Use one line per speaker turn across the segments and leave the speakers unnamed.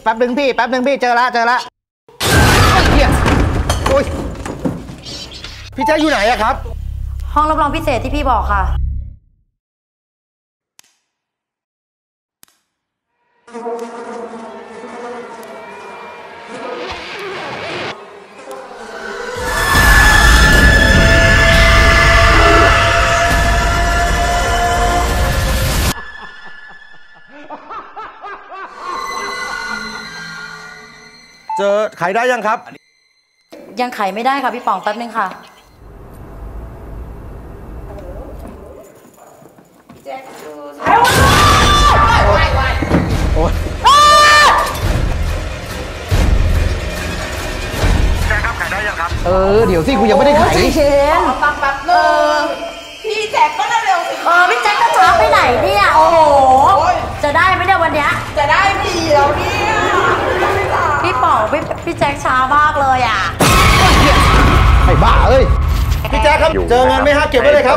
แป๊บนึงพี่เจอละเฮียโอ้ยพี่แจ๊คอยู่ไหนอะครับ
ห้องรับรองพิเศษที่พี่บอกค่ะ
เจอไขได้ยังครับ
ยังไขไม่ได้ค่ะพี่ป๋องแป๊บนึงค่ะแจ็คดู
โอ้ยแจ็คครับไขได้ยังครับเดี๋ยวสิกูยังไม่ได้ไข
เชน
แป๊บนึงพี่แจ็คก็เร็วสิ
พี่แจ็คก็ช้าไปไหนเนี่ยโอ้โหจะได้ไหมเนี่ยวันเนี้ย
จะได้ดีแล้วเนี่ย
พี่ป๋องพี่แจ็คช้ามากเลยอ่ะ
ไอ้บ้าเอ้ยพี่แจ็คครับเจอเงินไหมฮะเก็บไว้เลยครับ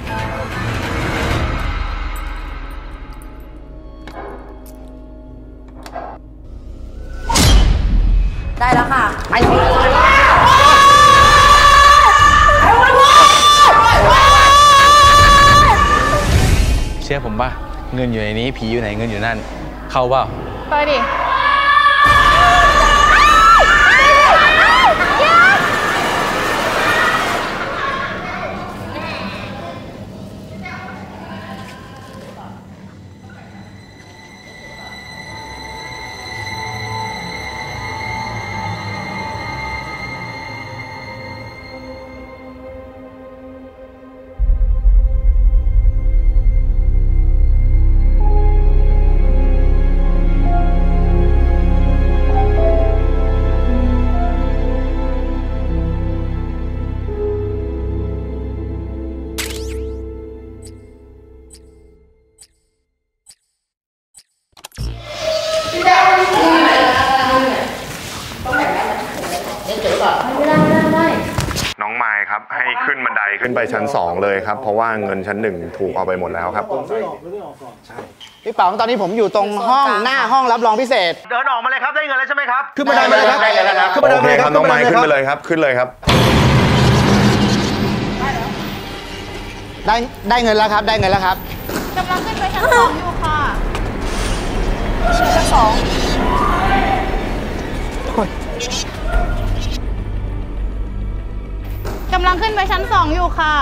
ได้แล้วค่ะไป
เชื่อผมป่ะเงินอยู่ในนี้ผีอยู่ไหนเงินอยู่นั่นเข้าเปล่า
ไปดิ
น้องไมค์ครับให้ขึ้นบันไดขึ้นไปชั้น2เลยครับเพราะว่าเงินชั้น1ถูกเอาไปหมดแล้วครับ
พี่ป๋องตอนนี้ผมอยู่ตรงห้องหน้าห้องรับรองพิเศษเดินออกมาเลยครับได้เงินแล้วใช่ไหมครับขึ้นบันไดมาเลยครับขึ้นบันไดมาเลยครับ
น้องไมค์ขึ้นไปเลยครับขึ้นเลยครับ
ได้เงินแล้วครับได้เงินแล้วครับ
กำลังขึ้นไปชั้น2อยู่ค่ะชั้น2กำลังขึ้นไปชั้น2อยู่ค่ะ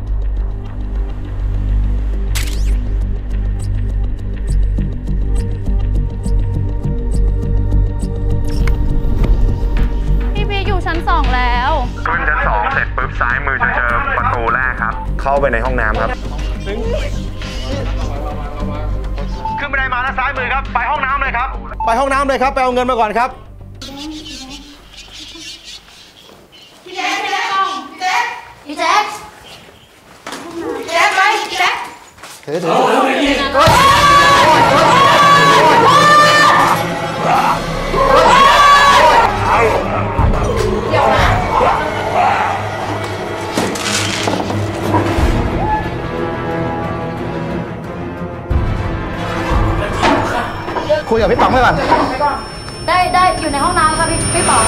พี่พีอยู่ชั้น2แล้ว
ขึ้นชั้น2เสร็จปุ๊บซ้ายมือจะเจอประตูแรกครับเข้าไปในห้องน้ำครับ
ขึ้นบันไดมาแล้วซ้ายมือครับไปห้องน้ำเลยครับไปห้องน้ำเลยครับไปเอาเงินมาก่อนครับ
พี่แจ๊คพี่แจ๊คพี่แจ๊คไปพี่แจ๊ค
ถือคุยกับพี่ป๋องไปก่อน
ได้อยู่ในห้องน้ำค่ะพี่ป๋อง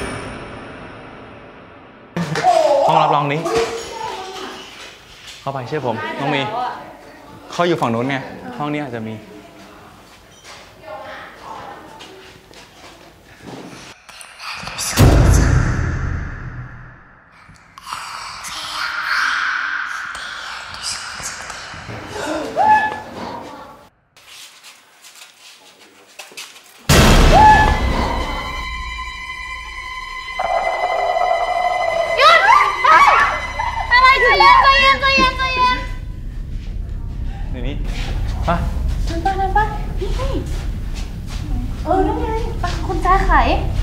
ห้องรับรองนี้เข้าไปเชื่อผมน้องมีเขาอยู่ฝั่งนู้นไงห้องนี้อาจจะมีนี่ป่ะ
นั่นป่ะนี่นั่นไงป่ะคุณจ้าไข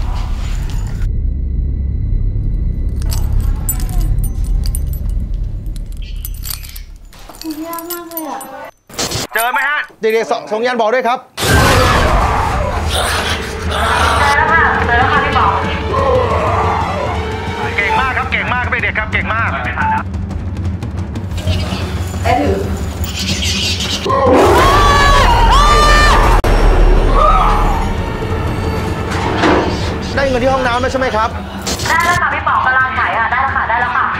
ยากมากเลยอ่ะ
เจอไหมฮะเด็กๆส่งยันบอกด้วยครับ
เจอแล้วค่ะพี่ป๋อง
เก่งมากครับเก่งมากครับเด็กๆครับเก่งมาก
ได้ถือ
ได้เงินที่ห้องน้ำแล้วใช่ไหมครับ
ได้แล้วค่ะพี่ป๋องกำลังถ่ายได้แล้วค่ะได้แล้วค่ะ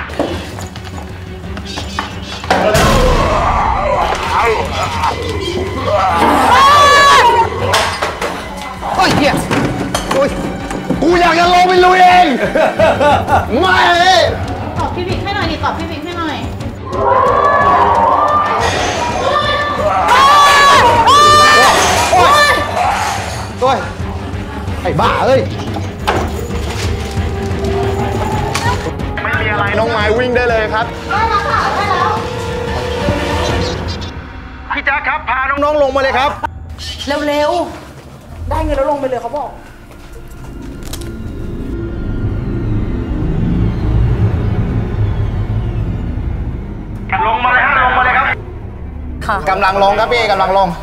โอ้ยเฮียโอ้ยกูอยากจะลงไปลุยเอง ไม่
ตอบพี่บิ๊กให้หน่อยดิตอบพี่บิ๊กให้หน่อย
โอ้ยไอ้บ้าเอ้ย
ไม่มีอะไรน้องไม้วิ่งได้เลยครับ
ได้แล้วค่ะได้แล้ว
พี่แจ๊คครับพาน้องๆลงมาเลยครับ
เร็วๆได้เงินแล้วลงไปเลยเขาบอก
ลงมาเลยฮะลงมาเลยครับ
ค่ะ
กำลังลงครับพี่กำลังลง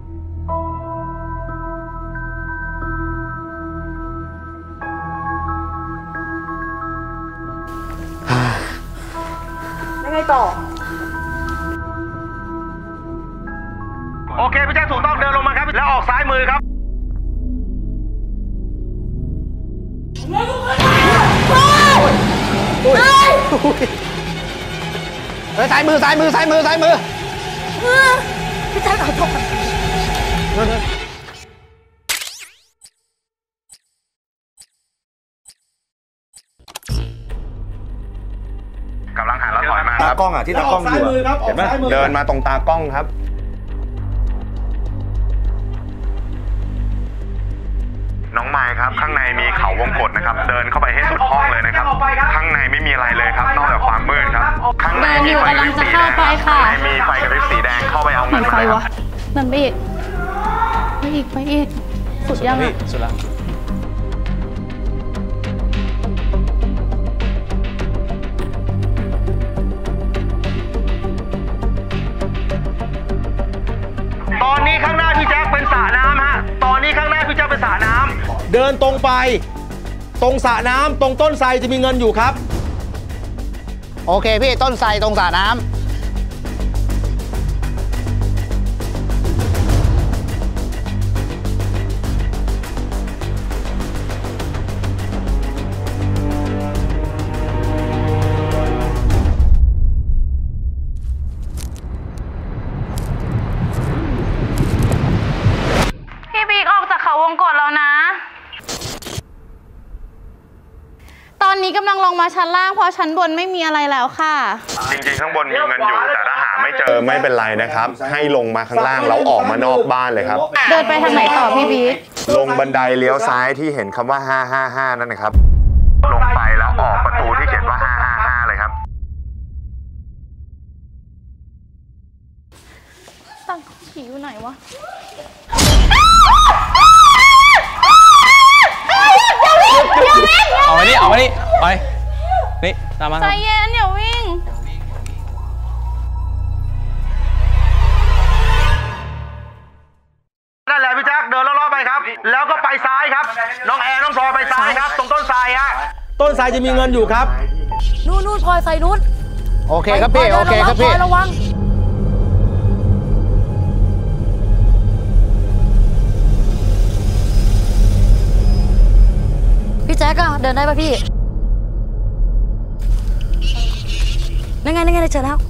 ยังไงต่อ
โอเคพี่แจ๊คถูกต้องเดินลงมาครับแล้วออกซ้ายมือครับซ้ายมือซ้ายมือซ้ายมือซ้ายมือ
พี่แจ๊คขอโทษ
กำลังหันแล้วถอยมาครับ
ตากล้องอ่ะที่ตากล้องอยู่เห็นไหม
เดินมาตรงตากล้องครับน้องไม้ครับข้างในมีเขาวงกตนะครับเดินเข้าไปให้สุดห้องเลยนะครับข้างในไม่มีอะไรเลยครับนอกจากความมืดครับข้างในมีไฟกระพริบสีแดงข้างในมีไฟกระพริบสีแดงเข้าไปเอาเงินมาเลยครับ
เดินไปอีกไปอีกสุดยังอ่ะ
สุดละ
ตอนนี้ข้างหน้าพี่แจ๊คเป็นสระน้ำฮะตอนนี้ข้างหน้าพี่แจ๊คเป็นสระน้ำเดินตรงไปตรงสระน้ำตรงต้นไทรจะมีเงินอยู่ครับโอเคพี่ต้นไทรตรงสระน้ำ
พี่บิ๊กออกจากเขาวงกตแล้วนะตอนนี้กำลังลงมาชั้นล่างเพราะชั้นบนไม่มีอะไรแล้วค่ะ
จริงๆข้างบนมีเงินอยู่แต่ถ้าหาไม่เจอไม่เป็นไรนะครับให้ลงมาข้างล่างแล้วออกมานอกบ้านเลยครับ
เดินไปทางไหนต่อพี่บิ๊ก
ลงบันไดเลี้ยวซ้ายที่เห็นคำว่า555นั่นนะครับลงไปแล้วออกประตูที่เขียนว่า555เลยครับ
ตั้งผีอยู่ไหนวะ
เอาไว้นี่เอาไว้นี่ไปนี่ตามมา
ใจเย็นอย่าวิ่ง
นั่นแหละพี่แจ๊คเดินรอบๆไปครับแล้วก็ไปซ้ายครับน้องแอร์น้องพลอยไปซ้ายครับตรงต้นไทรฮะต้นไทรจะมีเงินอยู่ครับ
นู่นพลอยใส่นู่น
โอเคครับพี่โอเคครับพี่
ระวังพี่แจ๊คอะเดินได้ป่ะพี่นั่นไงได้เจอแล้ว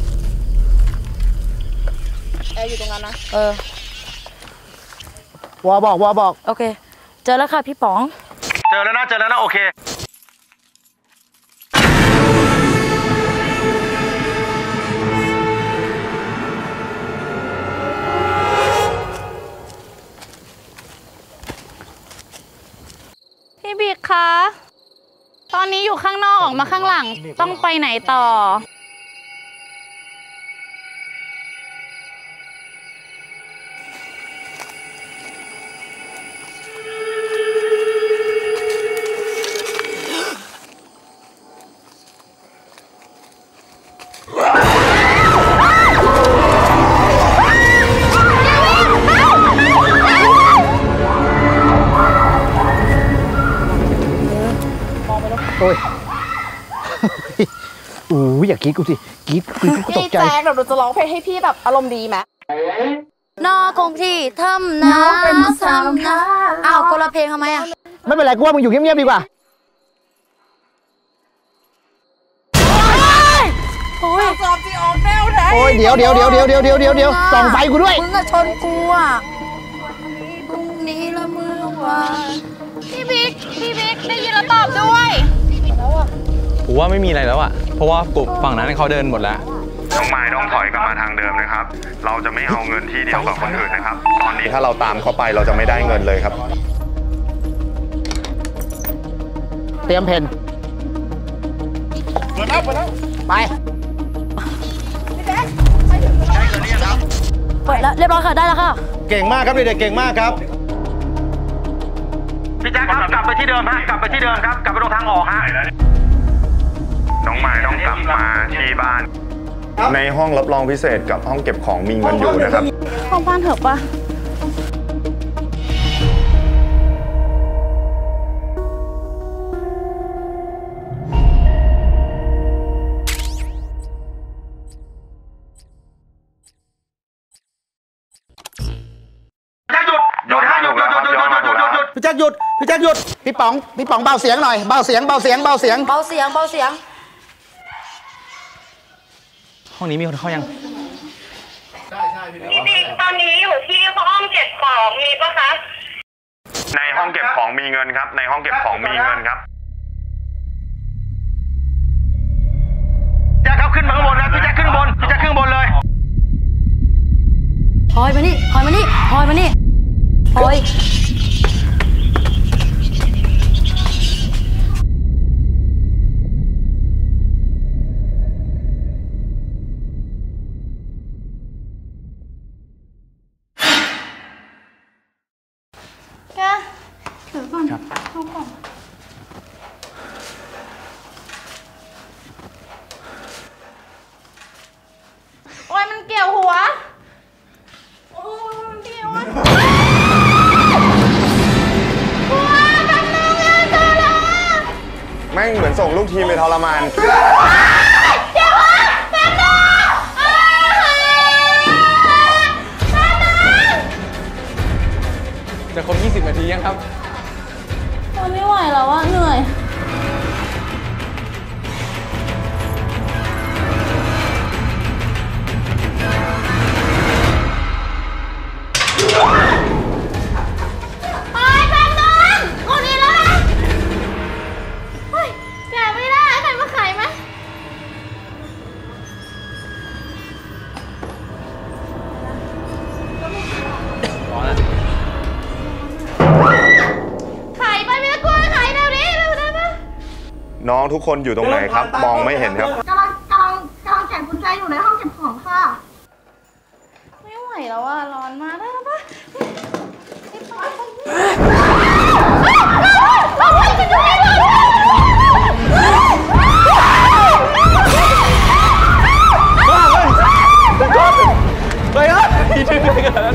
แอร์อยู่ตรงนั้นนะ
วอบอก
โอเคเจอแล้วค่ะพี่ป๋อง
เจอแล้วนะโอเค
พี่บิ๊กคะตอนนี้อยู่ข้างนอกออกมาข้างหลังต้องไปไหนต่อ
โอ้ยอย่ากรี๊ดกูสิกรี๊ดกูตกใจ
พี่แจ๊คเดี๋ยวเราจะร้องเพลงให้พี่แบบอารมณ์ดีไหมนอคงที่ทำน้ำอ้าวคนละเพลงทำไมอ่ะ
ไม่เป็นไรกูว่ามึงอยู่เงียบๆดีกว่าโอ้ยสอบที่ออกแนวไหนโอ้ยเดี๋ยวส่องไฟกูด้วย
มึงอะชนกูอะพรุ่งนี้ละมือว่าพี่บิ๊กได้ยินแล้วตอบด้วย
ผมว่าไม่มีอะไรแล้วอะเพราะว่ากลุ่มฝั่งนั้นเขาเดินหมดแล้ว
น้องไม้ต้องถอยกลับมาทางเดิมนะครับเราจะไม่เอาเงินที่เดียวกับคนอื่นนะครับตอนนี้ถ้าเราตามเขาไปเราจะไม่ได้เงินเลยครับ
เตรียมเพนเปิดแล้วไป
เปิดแล้วเรียบร้อยค่ะได้แล้วค่ะ
เก่งมากครับเด็กๆเก่งมากครับพี่แจ๊คครับกลับไปที่เดิมฮะกลับไปที่เดิมครับกลับไปตรงทางออกฮะ
น้องไม้ต้องกลับมาที่บ้านในห้องรับรองพิเศษกับห้องเก็บของมีเงินอยู่นะครับ
ห้องบ้านเถอะปะ
พี่แจ๊คหยุด
พี่ป๋องเบาเสียงหน่อยเบาเสียง
ห้องนี้มีคนเข้ายัง
พี่บิ๊กตอนนี้อยู่ที่ห้องเก็บของมีปะคะ
ในห้องเก็บของมีเงินครับในห้องเก็บของมีเงินครับ
แจ๊คครับขึ้นมาข้างบนนะพี่แจ๊คขึ้นข้างบนเลย
ถอยมานี่ถอยถือก่อนเข้าก่อนโอ้ยมันเกี่ยวหัวโอ้ยมันเกี่ยวหัวแป๊บนึงเลยเจอแล้ว
แม่งเหมือนส่งลูกทีมไปทรมาน
เดี๋ยวแป๊บนึง
จะครบ20 นาทียังครับ
ไม่ไหวแล้วอะเหนื่อยไปแป๊บนึงคนนี้แล้วนะเฮ้ยแกะไม่ได้ใครมาขายไหม
ร้อนแล้ว
น้องทุกคนอยู่ตรงไหนครับมองไม่เห็นครับ
กำลังแกะกุญแจอยู่ในห้องเก็บของค่ะ
ไม่ไหวแล้วอ่ะร้อนมากได้แล้วปะ
ไปครับพี่ชื่ออะไรกัน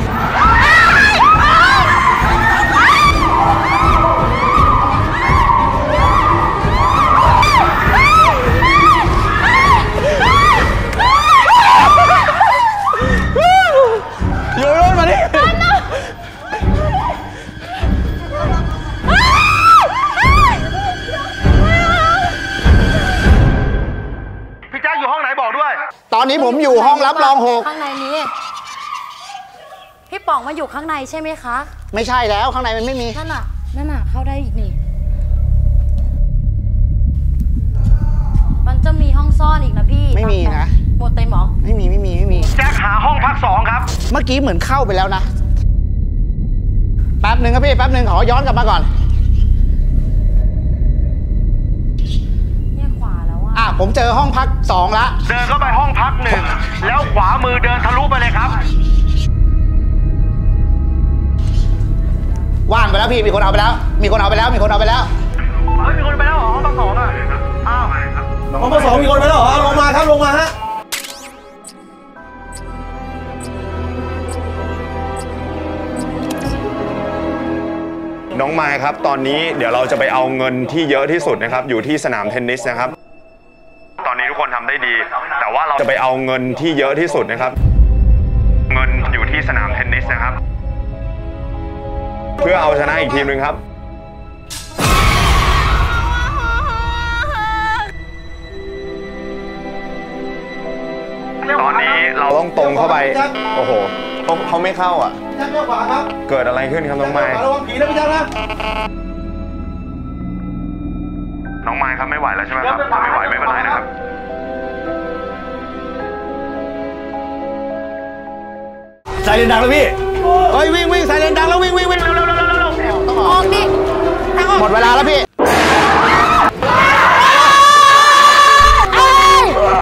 ตอนนี้ผมอยู่ห้องรับรอง6
ข้างในนี้พี่ป๋องมาอยู่ข้างในใช่ไหมคะ
ไม่ใช่แล้วข้างในมันไม่มี
นั่นน่ะเข้าได้อีกนี่มันจะมีห้องซ่อนอีกนะพี่
ไม่มีนะ
หมดเต็มหรอ
ไม่มี
แจ็คหาห้องพัก2ครับ
เมื่อกี้เหมือนเข้าไปแล้วนะแป๊บหนึ่งครับพี่แป๊บหนึ่งขอย้อนกลับมาก่อนผมเจอห้องพัก2ละ
เดินเข้าไปห้องพัก1แล้วขวามือเดินทะลุไปเลยครับ
ว่างไปแล้วพี่มีคนเอาไปแล้วเฮ้ยมีคนไปแล้วเหรอห้องพัก2อ่ะ
อ้าวห้องพัก2มีคนไปแล้วเหรอลงมาครับลงมาฮะ
น้องไม้ครับตอนนี้เดี๋ยวเราจะไปเอาเงินที่เยอะที่สุดนะครับอยู่ที่สนามเทนนิสนะครับตอนนี้ทุกคนทำได้ดีแต่ว่าเราจะไปเอาเงินที่เยอะที่สุดนะครับเงินอยู่ที่สนามเทนนิสนะครับเพื่อเอาชนะอีกทีมหนึ่งครับตอนนี้เราต้องตรงเข้าไป โอ้โหเขาไม่เข้าอ่ะ
พี่แจ็คเลี้ยวขวาครับ
เกิดอะไรขึ้นครับน้องไม้
ระวังผีนะพี่แจ็คนะ
น้องไม้ครับไม่ไหวแล้วใช่ไหมครับถ้าไม่ไหวไม่เป็นไรนะครับ
ไซเรนดังแล้วพี่เฮ้ยวิ่งไซเรนดังแล้ววิ่งเร็ว
ออกดิทางออก
หมดเวลาแล้วพี่